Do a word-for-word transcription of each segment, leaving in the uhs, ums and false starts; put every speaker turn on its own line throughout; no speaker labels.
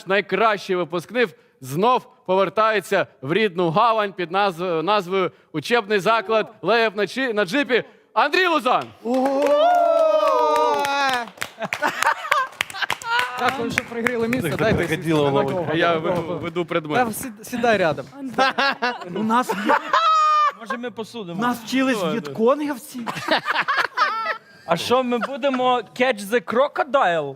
найкращий випускник знов повертається в рідну гавань під назв... назвою «Учебний заклад Леєв на, чи... на джипі» Андрій Лузан.
Дякую, що пригріли місце. Дайте
приходило
сісти.
головою.
А я веду, веду предмет.
Та сід- Сідай рядом.
У нас, є-
Може ми посудимо?
нас вчились в'єтконгівці.
А що, ми будемо catch the crocodile?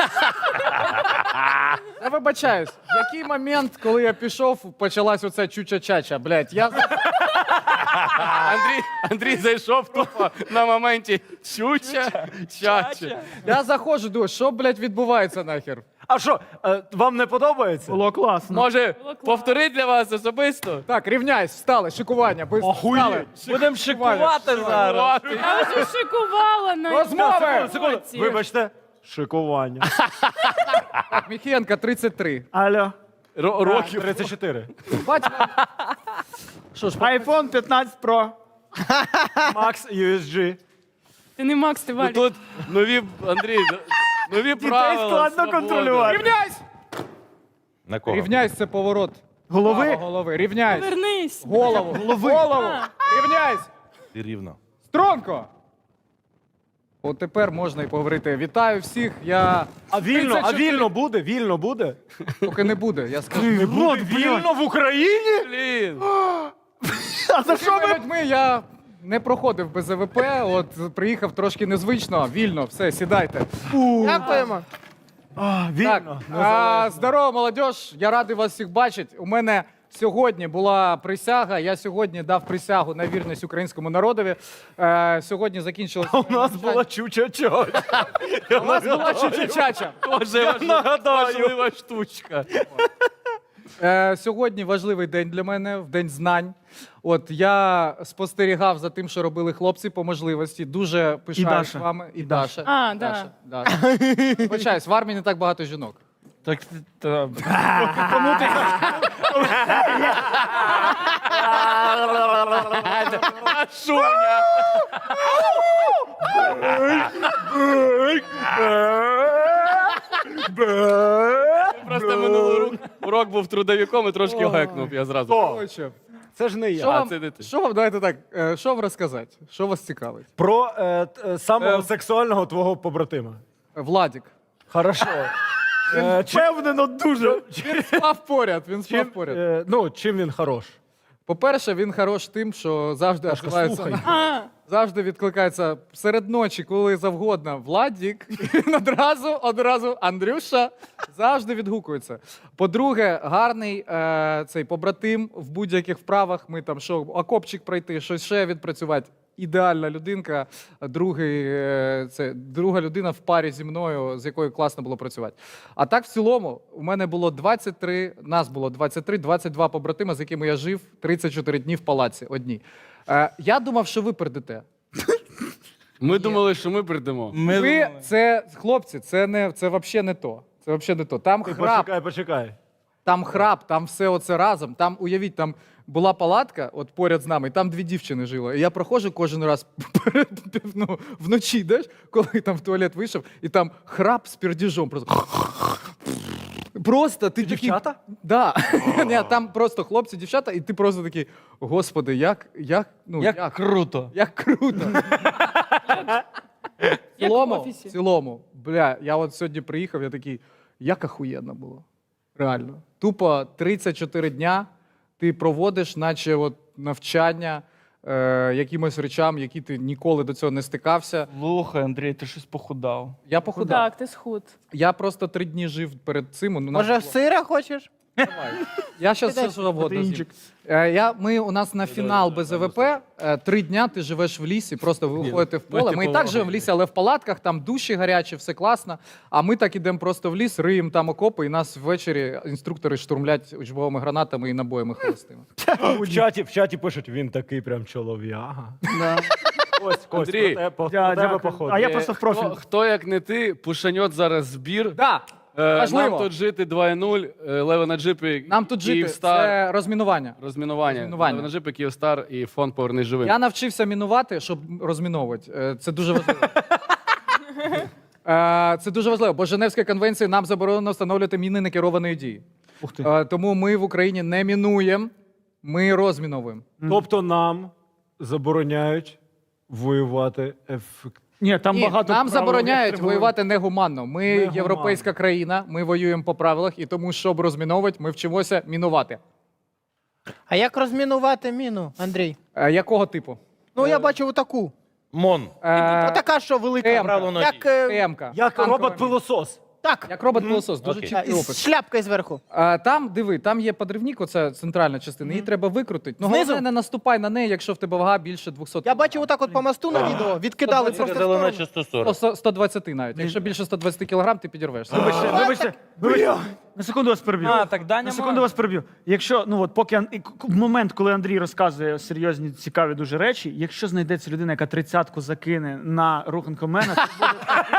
Я вибачаюсь, в який момент, коли я пішов, почалась оця чуча-чача, блядь, я...
Андрій, Андрій зайшов тупо на моменті чуча, чача.
Я заходжу, думаю, що, блядь, відбувається нахер?
А що, е, вам не подобається? Було класно.
Може, повторити для вас особисто?
Так, рівняйсь, встали, шикування, быстро, встали.
Будемо шикувати зараз.
Я вже шикувала на
Розмови!
уроці.
Вибачте, шикування.
Так, Міхієнка, тридцять три.
Алло.
Ро- Років.
тридцять чотири.
Бать, що ж,
iPhone п'ятнадцять Pro. Max ю ес джі.
Ти не Макс, ти
Ну,
Валік.
тут нові, Андрій, нові правила.
складно
свобода.
контролювати.
рівняйсь!
На кого?
Рівняйсь, це поворот.
Голови?
Право голови, рівняйсь.
Вернись.
Голову, голову, рівняйсь.
Ти рівно.
Стронко! От тепер можна і поговорити. Вітаю всіх, я...
А вільно, а
тридцять чотири
вільно буде? Вільно буде?
Поки не буде, я скажу.
Не буде вільно в Україні?
Блін.
А за що
Такими
ви?
людьми я не проходив без АВП, от приїхав трошки незвично, вільно, все, сідайте. Дякуємо.
А,
Так,
вільно.
а, здорово, молодь, я радий вас всіх бачити. У мене сьогодні була присяга, я сьогодні дав присягу на вірність українському народові. Е, сьогодні закінчилося...
У нас була чуча-чо.
У нас була чуча-чача.
Дуже важ-
нагадаю.
важлива штучка.
Е, сьогодні важливий день для мене, в день знань. От я спостерігав за тим, що робили хлопці по можливості. Дуже пишаюсь
Даша.
вами. І Даша.
А, да.
Даша. Даша. Вибачаюсь, в армії не так багато жінок.
Так, та,
Шуня. Просто минулий урок, урок був трудовиком і трошки гекнув, я зразу.
Коротше,
Це ж не
Що
я.
А,
вам,
це не ти.
що вам, давайте так, е, що вам розказати? Що вас цікавить?
Про е, т- е, самого
Е,
сексуального твого побратима.
Владік.
Хорошо. Е, чи- Впевнено дуже.
Він спав поряд, він спав
Чим,
поряд.
е, ну, чим він хорош?
По-перше, він хорош тим, що завжди відкривається,
слухай.
А,
завжди відкликається серед ночі, коли завгодно. Владік, і він одразу, одразу Андрюша завжди відгукується. По-друге, гарний е, цей побратим в будь-яких вправах. Ми там що, окопчик пройти, щось ще відпрацювати. Ідеальна людинка, другий, е, це друга людина в парі зі мною, з якою класно було працювати. А так, в цілому, у мене було двадцять три, нас було двадцять три, двадцять два побратима, з якими я жив тридцять чотири дні в палаці одні. Е, я думав, що ви прийдете.
Ми думали, що ми прийдемо.
ми
Ви, це, хлопці, це не, це взагалі не то. Це взагалі не то. Там
Ти
храп,
почекай, почекай.
там храп, там все оце разом. Там, уявіть, там була палатка от поряд з нами, і там дві дівчини жили. І я проходжу кожен раз перед, ну, вночі, деш, коли там в туалет вийшов, і там храп з пердіжом. Просто, просто ти такий...
Дівчата?
Да. Ні, там просто хлопці, дівчата, і ти просто такий, господи, як, як, ну,
як,
як,
круто.
як круто. В
як в
цілому, в
офісі.
цілому, бля, я от сьогодні приїхав, я такий, як ахуєнно було. Реально. Тупо тридцять чотири дня ти проводиш, наче от навчання е, якимось речам, які ти ніколи до цього не стикався.
Слухай, Андрій, ти щось похудав.
Я похудав.
так, ти схуд.
Я просто три дні жив перед цим. Ну, нас
Може,
було-
сира хочеш?
Давай. Я зараз все що завгодно з'їм.
Протеїнчик.
Е, я, ми, у нас на фінал без АВП, е, три дня ти живеш в лісі, просто ви виходите в поле. Ми і так живемо в лісі, але в палатках, там душі гарячі, все класно. А ми так ідемо просто в ліс, риємо там окопи, і нас ввечері інструктори штурмлять учбовими гранатами і набоями холостими.
У чаті, в чаті пишуть, він такий прям чолов'яга. Ось, Кость,
Андрій.
про тебе, по-
Дя-
про тебе
дякую.
походу.
А я
Е,
просто в профіль.
Хто, хто як не ти, пушаньот зараз збір.
Да,
Е,
важливо.
Нам тут жити два нуль, е, Лева на джипі,
нам тут жити,
Київстар,
це розмінування.
розмінування.
розмінування.
Лева на джипі, Київстар і фонд «Повернись живим».
Я навчився мінувати, щоб розміновувати. Е, Це дуже важливо. Е, Це дуже важливо, бо Женевська конвенція нам заборонено встановлювати міни некерованої дії.
Ух ти.
Е, Тому ми в Україні не мінуємо, ми розміновуємо.
Тобто нам забороняють воювати ефективно.
Ні, там
Ні,
багато
нам
правил,
забороняють
як треба-
воювати негуманно. Ми
Негуманно.
європейська країна, ми воюємо по правилах, і тому, щоб розміновувати, ми вчимося мінувати.
А як розмінувати міну, Андрій?
Е, Якого типу?
Ну, я бачив отаку.
Мон.
Е,
Отака, що велика.
М-ка.
Правило
Як, е,
М-ка.
Як
Танкова
робот-пилосос.
так.
Як робот-пилосос, дуже
Окей.
чіткий
З
опис.
шляпкою зверху.
А, там, диви, там є подрivник, оце центральна частина, її треба викрутити. Ну,
Знизу?
головне, не наступай на неї, якщо в тебе вага більше двісті.
Я бачив отак от по мосту на відео, відкидали просто в
Сказали
сторону.
наче сто сорок.
сто, сто двадцять навіть. Якщо більше сто двадцять кілограм, ти підірвешся.
Вибачте, вибачте, вибачте. На секунду вас переб'ю.
А, так Даня
На секунду
може.
вас переб'ю. Якщо, ну от поки Ан- і к- в момент, коли Андрій розказує серйозні, цікаві дуже речі, якщо знайдеться людина, яка тридцятку закине на руханкомена, то буде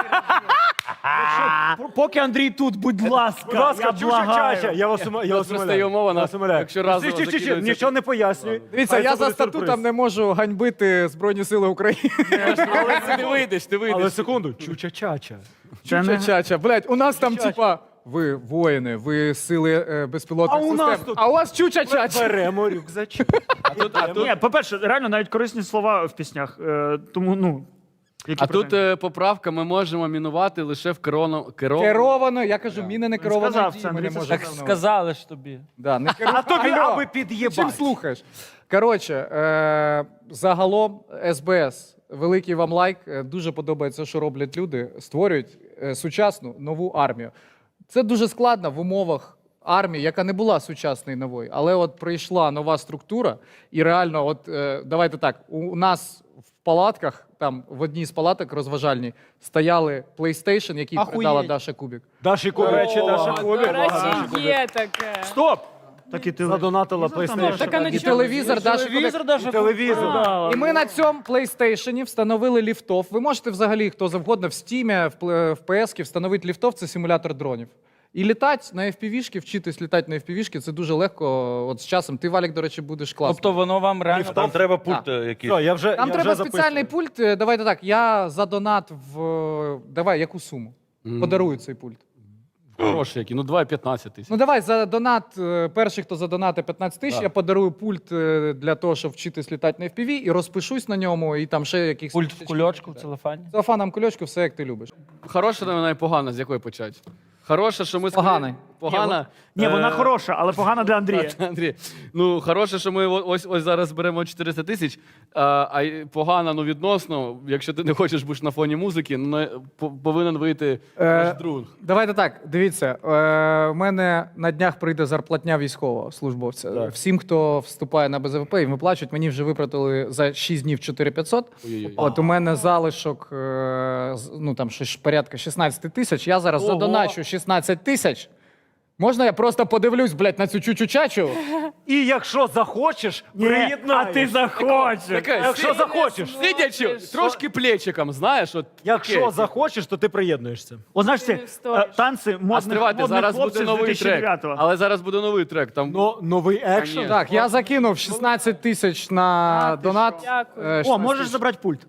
Якщо- поки Андрій тут, будь ласка,
Будь ласка,
я
чуча
благаю.
чача. Я вас ума- я
Тут
вас
просто
умоляю.
є умова,
Я вас умоляю.
якщо разово
Чи- чи- чи- чи-
закидується-
Нічого не пояснюй.
Дивіться,
Хай
я
це
за
буде
статутом
сюрприз.
не можу ганьбити Збройні Сили України.
Але ти вийдеш, ти
Але
вийдеш.
секунду, чуча-чача.
Це не-
Ча-ча, блядь, у нас там типа. Ви воїни, ви сили е, безпілотних
А у
систем.
нас тут-
А у вас чуча-чача.
Беремо рюкзачок.
Ні, по-перше, реально навіть корисні слова в піснях. Е, тому, ну, які
А тут
претензії?
е, поправка, ми можемо мінувати лише в керовано... керов...
Керовано, я кажу, міни не керовано.
сказав це, Андрій, це
Так сказали ж тобі.
Да, не керу...
А тобі
Алло,
аби
чим
під'єбати.
слухаєш? Коротше, е- загалом СБС, великий вам лайк. Е, Дуже подобається, що роблять люди. Створюють е, сучасну нову армію. Це дуже складно в умовах армії, яка не була сучасною новою. Але от прийшла нова структура, і реально, от е, давайте так, у, у нас в палатках, там в одній з палаток розважальній, стояли PlayStation, який
Ахуєть.
передала Даша Кубік.
Даші
До речі, Даша
До
Кубік.
речі, є таке.
Стоп! Так і ти
задонатила
Задонатила.
PlayStation.
Так, а на
І
чому?
телевізор Даша Кубік.
Телевізор даже
Телевізор.
Да.
І ми на цьому PlayStation встановили ліфтов. Ви можете взагалі хто завгодно в Steam, в пл- в пі ес встановити ліфтов, це симулятор дронів. І літати на еф пі ві-шки, вчитись літати на еф пі ві-шки, це дуже легко. От з часом ти, Валік, до речі, будеш класно.
Тобто воно вам реально...
Там треба пульт е, якийсь.
Все, я вже,
Там
я
треба
вже
спеціальний
записую.
пульт. Е, Давайте так, я за донат в... е, Давай, яку суму? Подарую цей пульт.
Гроші які, ну давай п'ятнадцять тисяч.
Ну давай, за донат, е, перший, хто задонатить п'ятнадцять тисяч,
Да.
я подарую пульт е, для того, щоб вчитись літати на еф пі ві, і розпишусь на ньому, і там ще якихось...
Пульт в кульочку, в целофані.
Целофаном кульочку, все як ти любиш.
Хороша новина і погана, з якої почати? Хороша, що ми...
Поганий.
Погана.
Ні, вона
Е,
хороша, але погана для Андрія.
Андрій, ну хороше, що ми о- ось ось зараз беремо чотириста тисяч, а, а й погано, ну відносно, якщо ти не хочеш бути на фоні музики, ну не- по- повинен вийти
Е,
наш друг.
Давайте так, дивіться, е, в мене на днях прийде зарплатня військового службовця.
Так.
Всім, хто вступає на Б З В П, їм виплачують, мені вже виплатили за шість днів чотири тисячі п'ятсот.
Ой-ой-ой.
От у мене залишок, е, з- ну там щось порядка шістнадцять тисяч. Я зараз
Ого.
задоначу шістнадцять тисяч. Можна я просто подивлюсь, блядь, на цю чучу-чачу?
І якщо захочеш,
Ні,
приєднаєш.
а ти захочеш.
Таке,
Якщо
сидя-
захочеш.
Сидячи, трошки плечиком, знаєш, от
Якщо
таке.
захочеш, то ти приєднуєшся.
О, знаєш,
Ти
ці
не встоїш.
е, танці
А
модних,
стривайте,
модних
зараз буде
хлопців з
новий
дві тисячі
трек.
дев'ятого.
Але зараз буде новий трек. Там
Но новий екшн.
Ні.
Так, я закинув шістнадцять тисяч на донат.
Дякую.
Е,
О,
шістнадцять
можеш
тисяч.
забрати пульт.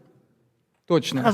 Точно.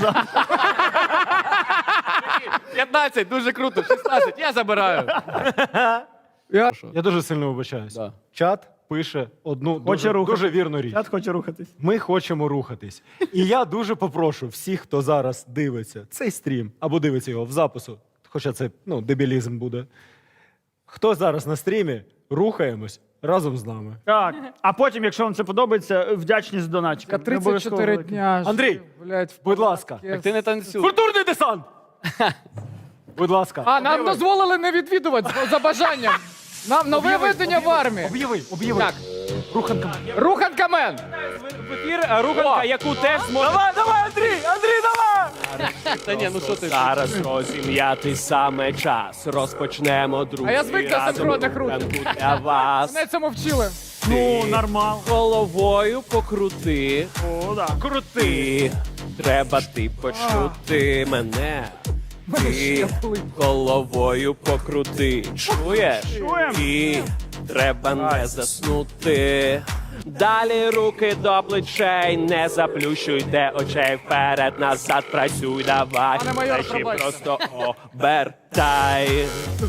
п'ятнадцять, дуже круто, шістнадцять, я забираю.
Я...
Я дуже сильно вибачаюсь.
Да.
Чат пише одну
Хоче
дуже,
рухатись.
дуже вірну річ.
Чат хоче рухатись.
Ми хочемо рухатись. І я дуже попрошу всіх, хто зараз дивиться цей стрім або дивиться його в запису, хоча це ну, дебілізм буде. Хто зараз на стрімі, рухаємось разом з нами.
Так. А потім, якщо вам це подобається, вдячність донатчикам. Не
тридцять
обов'язково
чотири
великі.
дня.
Андрій,
блядь, в
будь ласка.
палатці.
Так ти не танцюй.
Культурний десант! Будь ласка.
А, нам дозволили не відвідувати за- за бажанням. Нам нове ведення в армії.
Об'яви, об'яви.
Так.
Руханком.
Руханкамен.
В ефір руханка, яку теж зможе...
Давай, давай, Андрій! Андрій, давай!
Та ні, ну що ти?
Зараз розім'яти саме час. Розпочнемо друзі.
А я звик до
разом
синхронних рук.
руханку для вас.
Мене цьому вчили.
Ну, нормал.
Головою покрути.
О, да.
Крути. Треба ти почути мене. Ти головою покрути. Чуєш?
Чуєм.
І треба не заснути. Далі руки до плечей, не заплющуйте очей. Вперед, назад, працюй, давай.
Пане майор,
Плечі
пробачте.
просто обертай.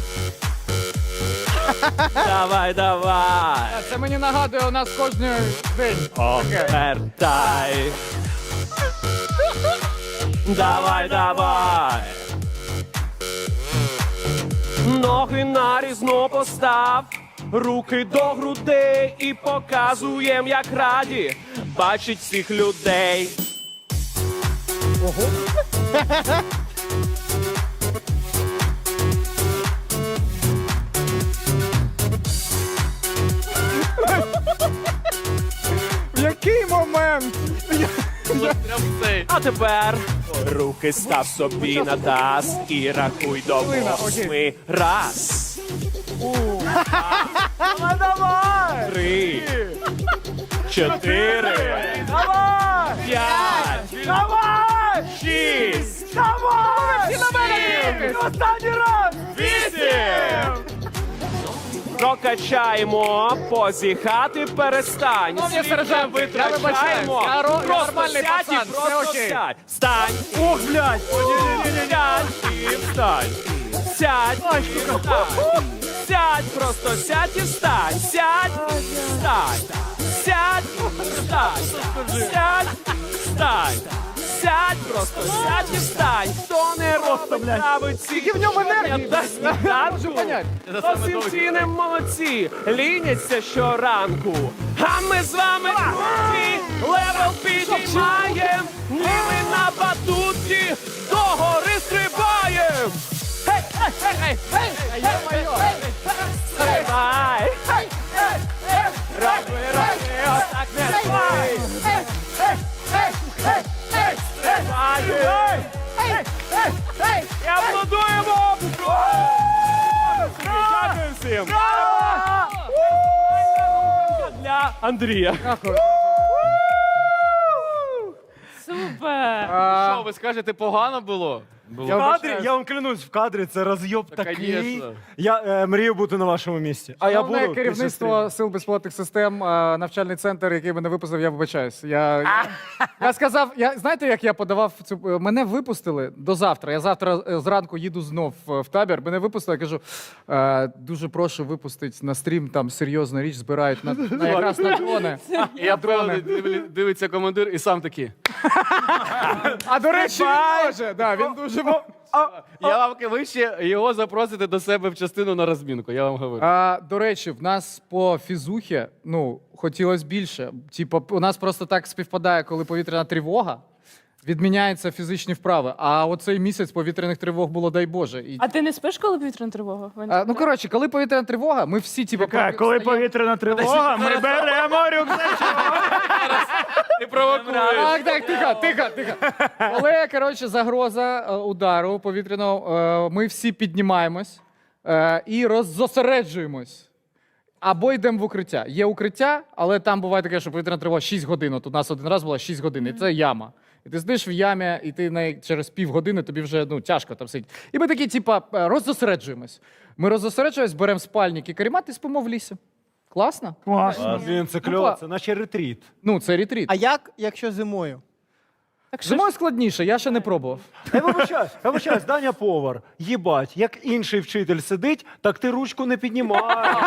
Давай, давай.
Це мені нагадує у нас кожен день.
Обертай. Давай, давай. Ноги нарізно постав, руки до грудей і показуєм, як раді бачить всіх людей.
В який момент?
А тепер руки став собі на таз і рахуй до восьми. Раз. Давай, давай. Три. Чотири. Давай. П'ять. Давай. Шість. Давай. Сім. Останній раз. Вісім. Прокачаємо, позіхати перестань.
Шановні
Слід
сержанти,
не
я вибачаюсь,
витрачаємо.
я ро- я
Просто
нормальний
сядь і
пацан, все
просто
окей.
сядь. Встань. Ох, блядь. Сядь і встань. Сядь і встань. Сядь, просто сядь і встань. Сядь, встань. Сядь, встань. Сядь, встань. Сядь, просто сядь і встань. Хто не робить ці в ньому енергії та сніданку, осінці не молодці, ліняться щоранку. А ми з вами друзі, левел підіймаєм, ніби на батуті до гори стрибаєм. Гей, гей, гей, гей, гей, гей, гей, стрибай. Гей, гей, гей, роби, роби, отак не спай. Гей, гей, гей, гей, гей, стрибай. Гей, гей, гей, і аплодуємо. Дякую всім. Для Андрія.
Супер!
Що, ви скажете, погано було?
В кадрі, я вам клянусь, в кадрі це розйоб
Та,
такий.
конечно.
Я е, мрію бути на вашому місці. А я
Головне
буду. після
керівництво
стріму.
Сил безпілотних систем, е, навчальний центр, який мене випустив, я вибачаюсь. Я, я, я сказав, я, знаєте, як я подавав цю. Мене випустили до завтра. Я завтра е, зранку їду знов в, в табір. Мене випустили, я кажу, е, дуже прошу випустити на стрім, там серйозна річ збирають на, на якраз на дрони.
І я певний, дивлі- дивиться командир і сам такий.
А до речі, він може. Да, він дуже може.
Я вам кажу, ви ще його запросите до себе в частину на розмінку, я вам говорю.
А, до речі, в нас по фізухі, ну, хотілося більше. Типу, у нас просто так співпадає, коли повітряна тривога, відміняються фізичні вправи. А оцей місяць повітряних тривог було, дай Боже. І,
А ти не спиш, коли повітряна тривога? Ваня?
а, ну, коротше, коли повітряна тривога, ми всі, типу,
Яка,
про-
коли
встаємо.
повітряна тривога, ми беремо рюкзачок.
Ти провокуєш.
Так, так, тихо, тихо, тихо. Коли, коротше, загроза е, удару повітряного, е, ми всі піднімаємось е, і роззосереджуємось. Або йдемо в укриття. Є укриття, але там буває таке, що повітряна тривога шість годин. От у нас один раз була шість годин, і це яма. І ти сидиш в ямі, і ти на, через півгодини тобі вже ну, тяжко там сидіти. І ми такі, типа, е, роззосереджуємось. Ми роззосереджуємось, беремо спальник і каремат і спимо в лісі. Класно?
Класно.
Блін, це кльово, це наче ретріт.
Ну, це ретріт.
А як, якщо зимою?
Так що
Зимою складніше, я ще не пробував.
Я вибачаюсь, я вибачаюсь, Даня повар. Їбать, як інший вчитель сидить, так ти ручку не піднімаєш.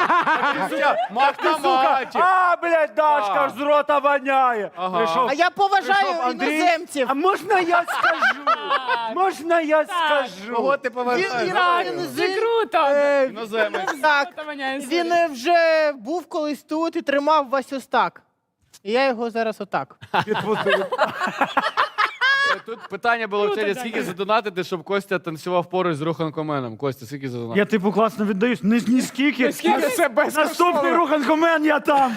Автоматик.
А, блядь, Дашка ж з рота воняє. Прийшов-
А я поважаю
прийшов Андрій.
іноземців.
А можна я скажу? Можна я скажу?
Кого ти
Він,
поважаєш?
він, він,
це
він,
круто!
е,
Іноземець.
так,
Це Ваня,
він е, вже був колись тут і тримав Вась ось так. І я його зараз отак.
Тут питання було
Круто,
вчора,
Даня.
скільки задонатити, щоб Костя танцював поруч з Руханкоменом. Костя, скільки задонатити?
Я типу класно віддаюсь. Ні, ні скільки.
Це
Наступний руханкомен, я там.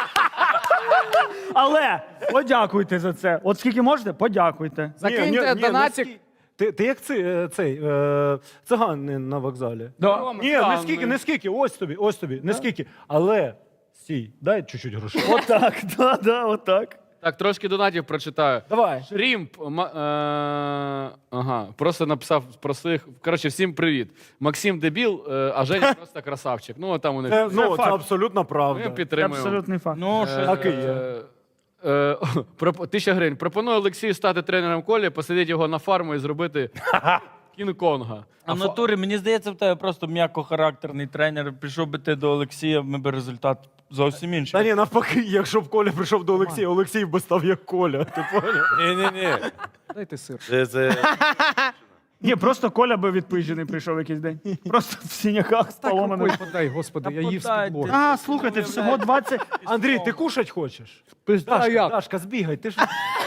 Але подякуйте за це. От скільки можете, подякуйте.
Закиньте донатик.
Ти, ти як цей, е, цей е, циган на вокзалі.
Да.
Ні, не скільки, не скільки, ось тобі, ось тобі, не скільки. Але стій, дай чуть-чуть грошей.
Отак, да, да, отак.
Так, трошки донатів прочитаю.
Давай.
Шрімп. ма- е, Ага, просто написав про своїх. Коротше, всім привіт. Максим дебіл, е, а Женя просто красавчик. Ну, там у них.
Це, ну, це
факт.
абсолютно
Ми
правда.
Це
підтримуємо.
абсолютний факт.
Ну, що
Так і є.
Е, е, проп- Тисяча гривень. Пропоную Олексію стати тренером Колі, посадити його на фарму і зробити Кінг-Конга.
А в натурі, мені здається, в тебе просто м'якохарактерний тренер. Пішов би ти до Олексія, ми би результат зовсім
Та
інший.
ні, навпаки, якщо б Коля прийшов до Олексія, Олексій би став як Коля. Ти поняв?
Ні-ні-ні.
Дайте сир.
Це, це...
Ні, просто Коля би відпижений прийшов якийсь день. Просто в синяках з
Так
поломаним.
рукою подай, господи,
Та
я їв
подайте.
з-під
А, слухайте, всього двадцять.
Андрій, ти кушать хочеш?
А
Дашка,
як?
Дашка, збігай, ти ж...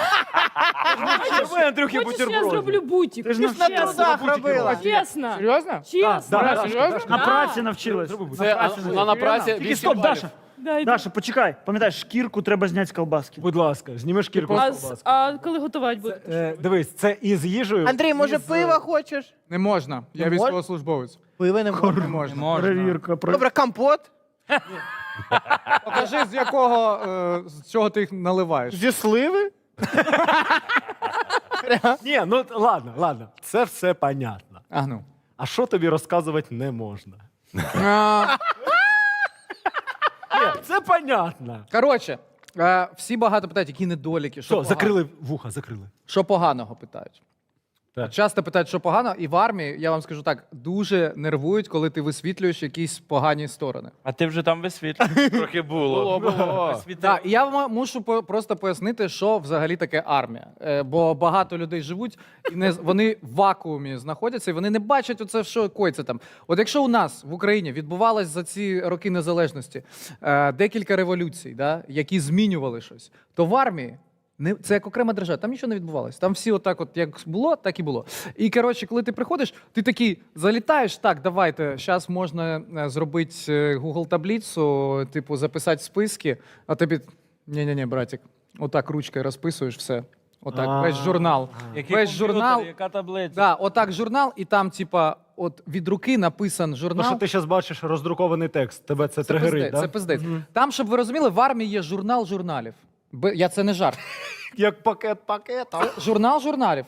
Ми, Андрюхи,
Хочеш, я
бутерброди.
зроблю бутик?
Ти ж
Ти ж на
Чесно.
трудах робила.
Чесно.
Серйозно?
Чесно.
Да, да,
Серйозно?
На
Да.
праці навчилась.
Це а, вона на праці
Тільки
вісім
стоп,
балів.
Даша.
Дай,
Даша, почекай. Пам'ятаєш, шкірку треба зняти з колбаски.
Будь ласка, зніми шкірку
А,
з
з-
колбаски.
а коли готувати буде?
Е, Дивись, це із їжею.
Андрій, може,
із, е,
пива хочеш?
Не можна. Я
Не мож-
військовослужбовець.
Пива не можна.
Не можна.
Можна.
Перевірка. про-
Добре, компот
Покажи, з якого е, з чого ти їх наливаєш.
зі сливи.
Ні, ну ладно, ладно. Це все понятно.
А ну.
А що тобі розказувати не можна?
А,
Ні, це понятно.
Коротше, е, всі багато питають, які недоліки, що,
Що,
погано-
закрили вуха, закрили.
що поганого питають.
Так.
Часто питають, що погано, і в армії, я вам скажу так, дуже нервують, коли ти висвітлюєш якісь погані сторони.
А ти вже там висвітлюєш.
Трохи було.
Було, було.
Так, і я вам мушу по- просто пояснити, що взагалі таке армія. Е, бо багато людей живуть, і не, з- вони в вакуумі знаходяться, і вони не бачать оце, що коїться там. От якщо у нас в Україні відбувалось за ці роки незалежності е, декілька революцій, да, які змінювали щось, то в армії не, це як окрема держава, там нічого не відбувалося. Там всі отак, от як було, так і було. І коротше, коли ти приходиш, ти такий залітаєш, так, давайте, зараз можна е, зробити е, Google таблицю, типу, записати списки, а тобі ні-ні-ні, братик, отак ручкою розписуєш все. Отак,
А.
весь журнал.
Який
Весь
комп'ютер,
журнал.
яка таблиця?
Да, отак журнал, і там, типа, от від руки написан
То,
журнал.
що ти зараз бачиш роздрукований текст, тебе це,
Це
тригерить,
пиздець,
да?
це пиздець. Там, щоб ви розуміли, в армії є журнал журналів. Б- Я це не жарт.
Як пакет пакета.
Журнал журналів.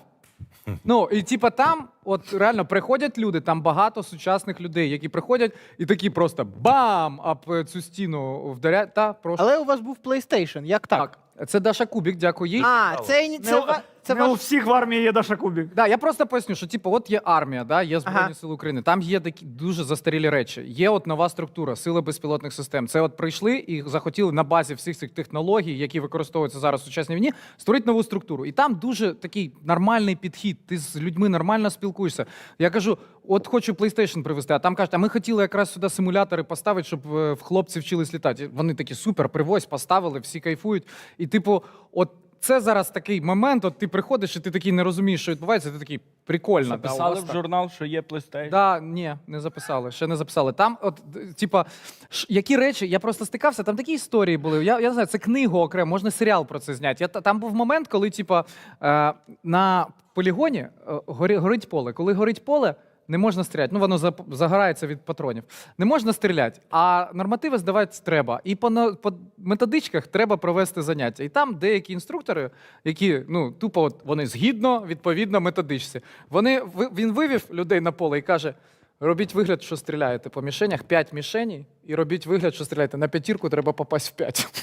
Ну, і типа там, от реально приходять люди, там багато сучасних людей, які приходять і такі просто бам! Об цю стіну вдаряють. Та, прошу.
Але у вас був PlayStation, як так?
Так, це Даша Кубік, дякую їй.
А, це, і- це,
Не,
ва- це
не у
ваш...
всіх в армії є Даша Кубік.
Да, я просто поясню, що типу, от є армія, да, є Збройні
Ага.
Сили України, там є такі дуже застарілі речі. Є от нова структура, сили безпілотних систем. Це от прийшли і захотіли на базі всіх цих технологій, які використовуються зараз в сучасній війні, створити нову структуру. І там дуже такий нормальний підхід. Ти з людьми нормально спілкуєшся. Я кажу, от хочу PlayStation привезти, а там кажуть, а ми хотіли якраз сюди симулятори поставити, щоб е, в хлопці вчились літати. Вони такі супер, привозь, поставили, всі кайфують. І типу, от. Це зараз такий момент, от ти приходиш, і ти такий не розумієш, що відбувається, ти такий прикольно. да, у
Записали
вас
в
так.
журнал, що є PlayStation.
Да, ні, не записали, ще не записали. Там, от, д- типа, ш- які речі, я просто стикався, там такі історії були. Я, я не знаю, це книгу окремо, можна серіал про це зняти. Я, та- там був момент, коли, типа, е, на полігоні е, горі, горить поле. Коли горить поле, не можна стріляти. Ну, воно зап- загорається від патронів. Не можна стріляти, а нормативи здавати треба. І по, на- по методичках треба провести заняття. І там деякі інструктори, які ну, тупо от, вони згідно, відповідно, методичці. Вони, ви- він вивів людей на поле і каже: робіть вигляд, що стріляєте по мішенях, п'ять мішеней, і робіть вигляд, що стріляєте. На п'ятірку треба попасть в п'ять.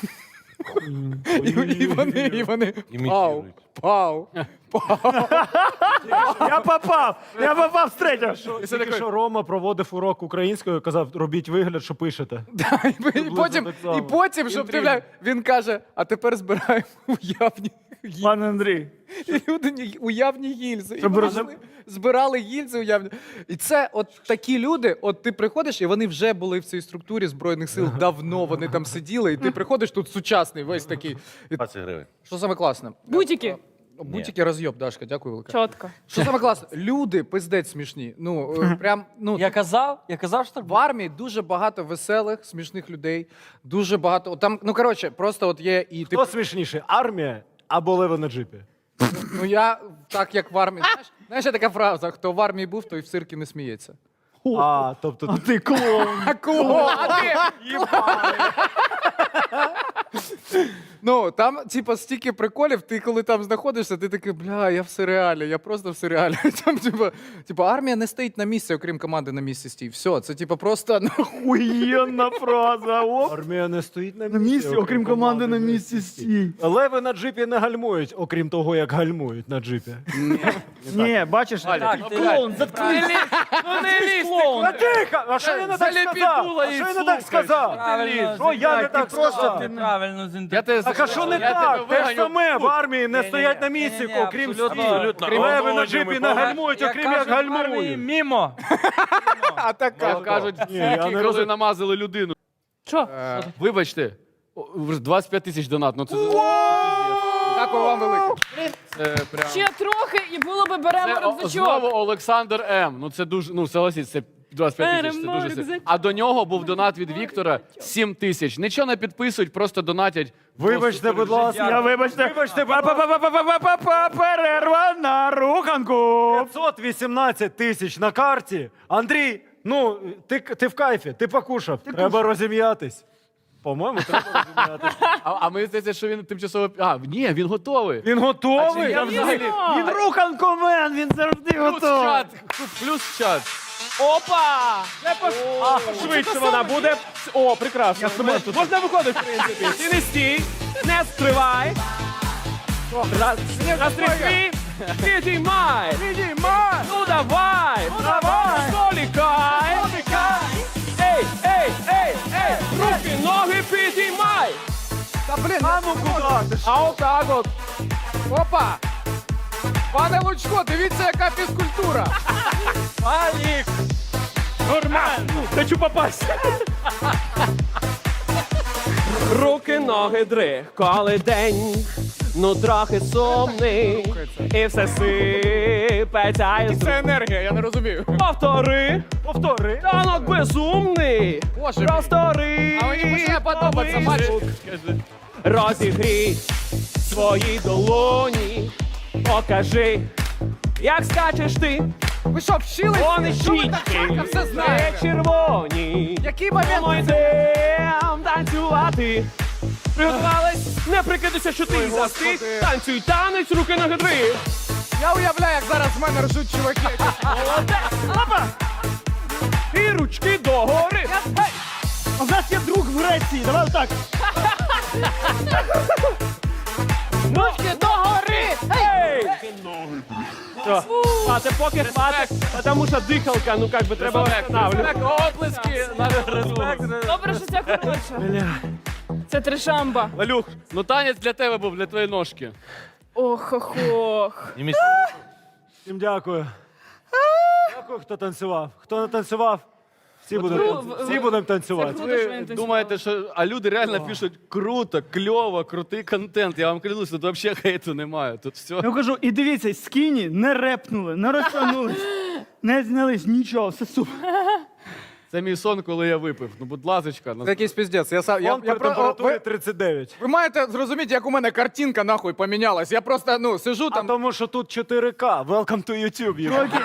І, і вони, і вони пау,
Імітують.
пау, пау.
Я попав! Я попав з третього.
Тільки що Рома проводив урок українською, казав, робіть вигляд, що пишете.
Да, і, і, потім,
так само.
і потім, щоб ти, бля, він каже, а тепер збираємо уявні гільзи.
Пане Андрій,
І люди ні- уявні гільзи. І
Щоб
вони
розум-
йшли, збирали гільзи уявні. І це от такі люди, от ти приходиш, і вони вже були в цій структурі Збройних сил давно, вони там сиділи, і ти приходиш, тут сучасний, весь такий. І
двадцять гривень.
що саме класне?
Бутики.
Будь-який розйоб, Дашка, дякую велике.
Чітко.
Що саме класне? Люди пиздець смішні. Ну, е, прям, ну,
Я казав, я казав, що так
в армії дуже багато веселих, смішних людей. Дуже багато. от Там, ну коротше, просто от є і
Хто смішніше, армія або леви на джипі?
ну я так як в армії. Знаєш, знаєш, є така фраза: хто в армії був, той в циркі не сміється.
А, тобто
а ти клоун.
А кого? А ти? Ну, там, типа, стільки приколів, ти коли там знаходишся, ти такий, бля, я в серіалі, я просто в серіалі. Там, типа, типа, армія не стоїть на місці, окрім команди на місці стій. Все, це типа просто ну,
Охуєнна фраза. Оп.
Армія не стоїть на
На
місці,
місці, окрім команди на місці стій.
Леви на джипі не гальмують, окрім того, як гальмують на джипі.
Ні, бачиш,
Так, ти-
клоун, заткнись.
Ну не лізь!
Клоун.
А тихо! А що я не так
Заліпідула
сказав? А
і
що я не так
слухаєш.
сказав?
Правильно,
Що я не
ти
так
просто
сказав?
ти правильно
Я
зінтерпретував.
тебе
Так а що не
я
так?
тебе
Те ж
виганю.
саме в армії не
Ні-ні-ні.
стоять на місці,
Ні-ні-ні,
окрім
абсолютно,
стій.
абсолютно.
Леви на джипі не гальмують,
Як
окрім як
кажуть в армії,
гальмують.
мімо.
а так
Як кажуть,
Ні, я
тільки
не
коли
розумію.
намазали людину.
Що?
Вибачте, о, двадцять п'ять тисяч донат. Ну це,
Дякую вам велике.
це прям...
Ще трохи і було би беремо
Це о-
рюкзачок.
знову Олександр М. Ну це дуже, ну согласіть, це двадцять п'ять тисяч, це
Беремо
дуже сильно.
рюкзачок.
А до нього був донат від Віктора сім тисяч. Нічого не підписують, просто донатять.
Вибачте, будь ласка.
Я вибачте.
Вибачте, будь ласка.
Па-па-па-па-па-па-па, перерва на руханку.
п'ятсот вісімнадцять тисяч на карті. Андрій, ну, ти, ти в кайфі, ти покушав. Треба розім'ятись. По-моєму, треба розім'ятись.
А, а ми здається, що він тимчасово. А, ні, він готовий.
Він готовий?
Я взагалі
Він руханковен, він завжди
плюс
готовий.
чат, плюс чат.
Опа! А, швидше вона буде. О, прекрасно. Можна виходити, в принципі. Ти не стій, не стривай. Раз, раз, три, три. Підіймай. Підіймай. Ну давай. Ну давай. Столікай. Ей, ей, ей, ей. Руки, ноги підіймай.
Та блін, а ну куди?
А отак от.
Опа! Пане Лучко, дивіться, яка фізкультура.
Алік. Нормально. Хочу попасть. Руки, ноги, дрих, коли день, ну трохи сумний, і все сипеться із
Це енергія, я не розумію.
Повтори,
Повтори.
танок безумний,
Боже мій.
простори.
А мені починає подобатися, бачиш?
Розігрій свої долоні, покажи, як скачеш ти.
Ви що, вчились?
Вони
Що ви так
щічки,
швидко все
не
знаєте?
червоні.
Який
Ми
момент?
йдем танцювати. Приготувались? Не прикидайся, що ти застиг.
Господи.
Танцюй танець, руки на гидри.
Я уявляю, як зараз з мене ржуть чуваки.
Молодець. Опа. І ручки догори. Гей.
А в нас є друг в Греції, давай так.
Ручки догори. Ей. Все. А це поки хватить, тому що дихалка, ну як би треба встановлювати.
Оплески на
Добре, що це коротше. Це трешамба.
Валюх, ну танець для тебе був, для твоєї ножки.
Ох-ох-ох.
І міс-
Всім дякую. Дякую, хто танцював. Хто не танцював, всі будемо
ви-
танцю- всі будемо танцювати.
Круто, що
Ви
він танцював.
думаєте, що. А люди реально пишуть круто, кльово, крутий контент. Я вам клянусь, тут взагалі хейту немає. Тут все.
Я кажу, і дивіться, скіні не репнули, не розтягнулись, не знялись, нічого, все супер.
Це мій сон, коли я випив. Ну, будь ласочка.
Це якийсь піздець. Я, сам- я,
Фон
я,
при
про-
температурі
ви,
тридцять дев'ять.
ви маєте зрозуміти, як у мене картинка нахуй помінялась. Я просто ну, сижу
А
там.
тому що тут чотири ка. Welcome to YouTube. Юра.
Окей.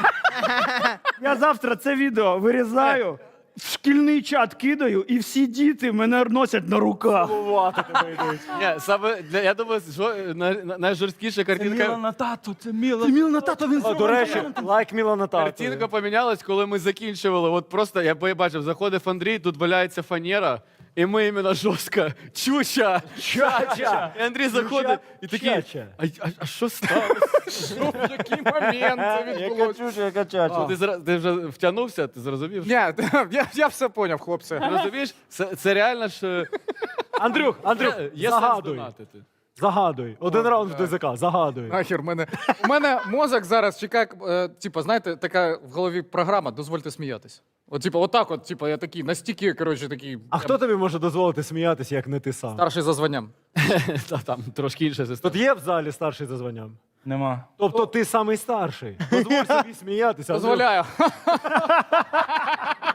Я завтра це відео вирізаю, в шкільний чат кидаю, і всі діти мене носять на руках.
Цілувати тебе йдуть.
Ні, саме для, я думаю, що е, най- най- найжорсткіша
Це
картинка.
міло на тату, це міло.
Ти міл на тато, він
О, до речі, лайк Мілана
Картинка
Тату.
помінялась, коли ми закінчували. От просто я побачив, заходив Андрій, тут валяється фанера, і ми іменно жорстко. Чуча!
Чача!
І Андрій заходить і такий.
Чача.
А, а, а що сталося?
Що, в який момент це відбулося?
чуча, яка чача.
Ти, зра- ти вже втягнувся, ти зрозумів?
Ні, я, я все поняв, хлопці.
Ти розумієш? Це, це реально ж
Андрюх, Андрюх,
є, є сенс
загадуй.
донатити.
Загадуй. Один раунд в ДЗК, загадуй.
Нахер мене. У мене мозок зараз чекає, е, типу, знаєте, така в голові програма, дозвольте сміятись. От, типу, отак, от, типу, я такий, настільки, коротше, такий.
А хто тобі може дозволити сміятися, як не ти сам?
Старший за званням.
Та там трошки інша система.
Тут є в залі старший за званням?
Нема.
Тобто ти самий старший. Дозволь собі сміятися. Андрюх.
Дозволяю.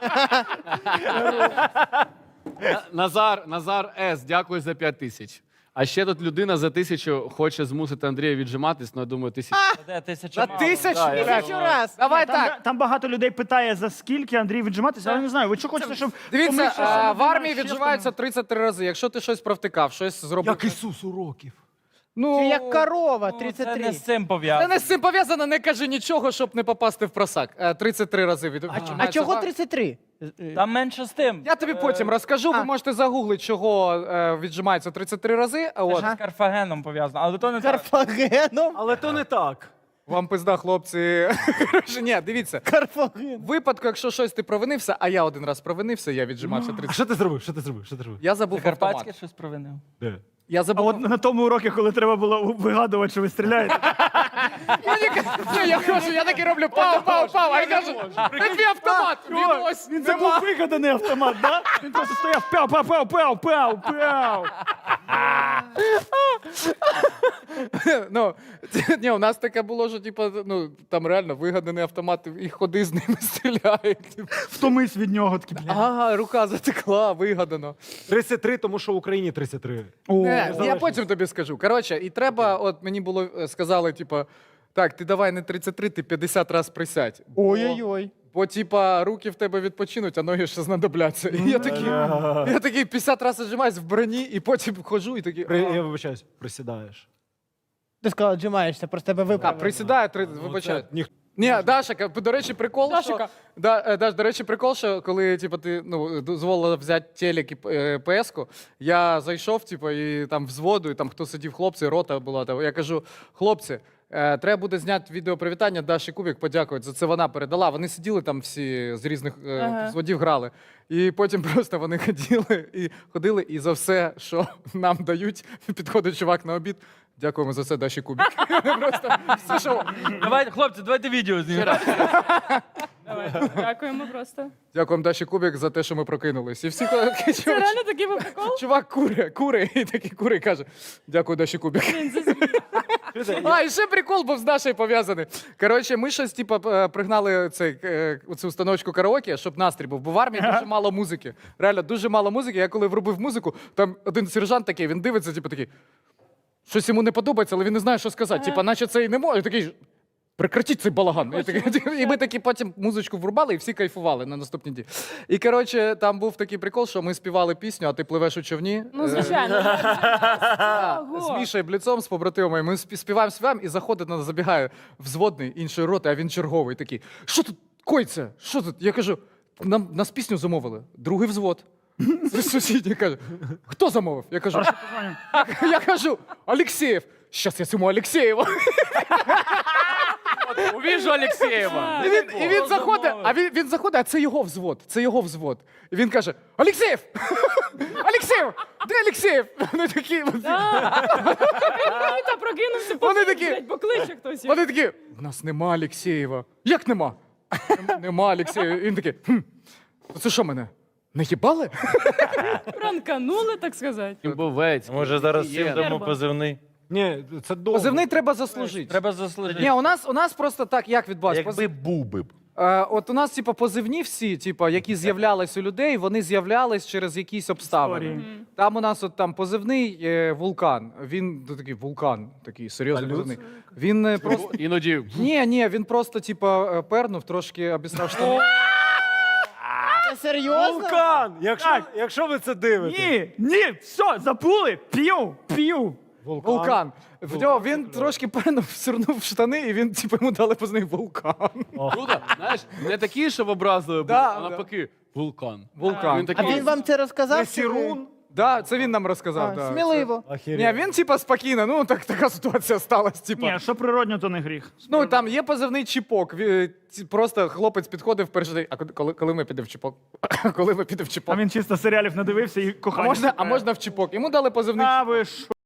Назар, Назар С, дякую за п'ять тисяч. А ще тут людина за тисячу хоче змусити Андрія віджиматись, ну я думаю, тисячу.
Де тисяча
На
мало.
тисячу?
Да, я-
блядь.
Тисячу раз.
Давай
Там,
так.
там багато людей питає, за скільки Андрій віджиматися, але не знаю. Ви що хочете, щоб
Дивіться,
помився,
а,
сам
в армії
ще
відживаються тридцять три рази. Якщо ти щось провтикав, щось зробив.
Як Ісус уроків.
Ну,
Чи як корова,
Ну,
тридцять
Це
три.
не з цим
Це
пов'язано.
не з цим пов'язано, не кажи нічого, щоб не попасти в просак. Е, тридцять три рази від...
А
віджимається
чого
в ар-
тридцять три?
Там менше з тим.
Я тобі потім розкажу, ви можете загуглити, чого е, віджимається тридцять три рази. А от
Це з Карфагеном пов'язано, але то не так.
Карфагеном?
Але то не так.
вам пизда, хлопці. Коротше, ні, дивіться.
Карфаген.
В випадку, якщо щось ти провинився, а я один раз провинився, я віджимався
А
тридцять.
що ти зробив? Що ти зробив? Що ти зробив?
Я забув
Карпатське
автомат.
щось провинив.
Де?
Я
А
забув.
от на тому уроці, коли треба було вигадувати, що ви стріляєте.
Ні, я кажу, я таки роблю пау, пау, пау, а я кажу, так твій автомат, він ось,
Він це був вигаданий автомат, да? Він просто стояв пяу, пау, пау, пау, пау, пау.
Ну, ні, у нас таке було, що типу, ну, там реально вигаданий автомат, і ходи з ними стріляють.
Втомись від нього такі, блядь.
Ага, рука затекла, вигадано.
тридцять три, тому що в Україні тридцять три.
Не, я потім тобі скажу. Коротше, і треба, от мені було е, сказали, типу, так, ти давай не тридцять три, ти п'ятдесят раз присядь. Бо-
Ой-ой-ой.
Бо, типа, руки в тебе відпочинуть, а ноги ще знадобляться. І я такий, я такий п'ятдесят разів зжимаюсь в броні, і потім ходжу і такий.
При,
а.
я вибачаюсь, присідаєш.
Ти сказав, віджимаєшся, просто тебе
А,
виправили.
присідаю, три, вибачаю.
Це ніх-
Ні, Даша, до речі, прикол,
Дашика.
що... Да, е, Даш, до речі, прикол, що коли типу, ти ну, дозволила взяти телек і е, ПС-ку, я зайшов, типу, і там взводу, і там хто сидів, хлопці, рота була. Там, я кажу, хлопці, е, треба буде зняти відеопривітання Даші Кубік, подякувати, за це вона передала. Вони сиділи там всі з різних е,
Ага.
взводів грали. І потім просто вони ходили і ходили, і за все, що нам дають, підходить чувак на обід. Дякуємо за це, Даші Кубік. Просто все, що...
Давайте, хлопці, давайте відео знімемо.
Давай, дякуємо просто.
Дякуємо Даші Кубік за те, що ми прокинулись. І всі такі,
Це
чувак,
реально такий був прикол?
чувак кури, кури, і такий кури каже, дякую Даші Кубік. А, і ще прикол був з Дашею пов'язаний. Коротше, ми щось, типу, е, пригнали цей, е, цю установочку караоке, щоб настрій був, бо в армії дуже мало музики. Реально, дуже мало музики. Я коли врубив музику, там один сержант такий, він дивиться, типу, такий, щось йому не подобається, але він не знає, що сказати. Типа, наче це і не може. Такий, прекратіть цей балаган. І, такий, і ми такі потім музичку врубали, і всі кайфували на наступні дні. І коротше, там був такий прикол, що ми співали пісню, а ти пливеш у човні.
Ну,
Е,
звичайно.
з
Ого.
Мішою Бліцом, з побратимами. Ми спі- співаємо, співаємо, і заходить, нас забігає взводний іншої роти, а він черговий такий. Що тут коїться? Що тут? Я кажу, нам нас пісню замовили. Другий взвод. Сусідній каже, хто замовив? Я кажу, я кажу, Алексєєв. Щас я цьому Алексєєву.
Увіжу Олексєєва.
І він, і він заходить, а він, він заходить, а це його взвод, це його взвод. І він каже, Алексєєв! Алексєєв! Де Алексєєв? Вони такі,
Та прокинувся,
Вони
побіг,
такі-
блядь, покличе хтось.
вони такі, в нас нема Алексєєва. Як нема? «Нем- Нема Алексєєва. І він такий, хм, це що мене? Не їбали?
Пранканули, так сказати.
Бовець.
Може зараз всім
Є.
дамо
Нерва.
позивний.
Ні, це довго.
Позивний треба заслужити.
Треба заслужити.
Ні, у нас, у нас просто так, як відбувається?
Якби був би. б.
Е, от у нас, типу, позивні всі, типу, які з'являлись у людей, вони з'являлись через якісь обставини.
Історії.
Там у нас от там позивний е, вулкан. Він ну, такий вулкан, такий серйозний позивний. Він е, просто.
Іноді
Ні, ні, він просто, типу, е, пернув, трошки обісрав штани.
Це серйозно?
Вулкан! Якщо, якщо ви це дивитесь.
Ні, ні, все, забули, п'ю, п'ю.
Вулкан. В нього він трошки пернув, сирнув штани, і він, типу, йому дали позивний вулкан.
круто. Знаєш, не такі, щоб образливі, були,
Да,
а
да.
навпаки, вулкан.
Вулкан.
Він
А
такий,
він вам це розказав?
Не
чи ви-
Сірун.
Да, це він нам розказав.
А,
да.
Сміливо.
Ні, він, типа, спокійно, ну так така ситуація сталася. Типа.
Ні, що природньо, то не гріх.
Ну там є позивний чіпок. Ві- ці- Просто хлопець підходив перший день. А коли, коли ми підемо в чіпок? Коли ми підемо в
А
чіпок?
він чисто серіалів надивився і
А
кохання.
можна, а можна в чіпок? Йому дали позивний
А
чіпок.
ви що?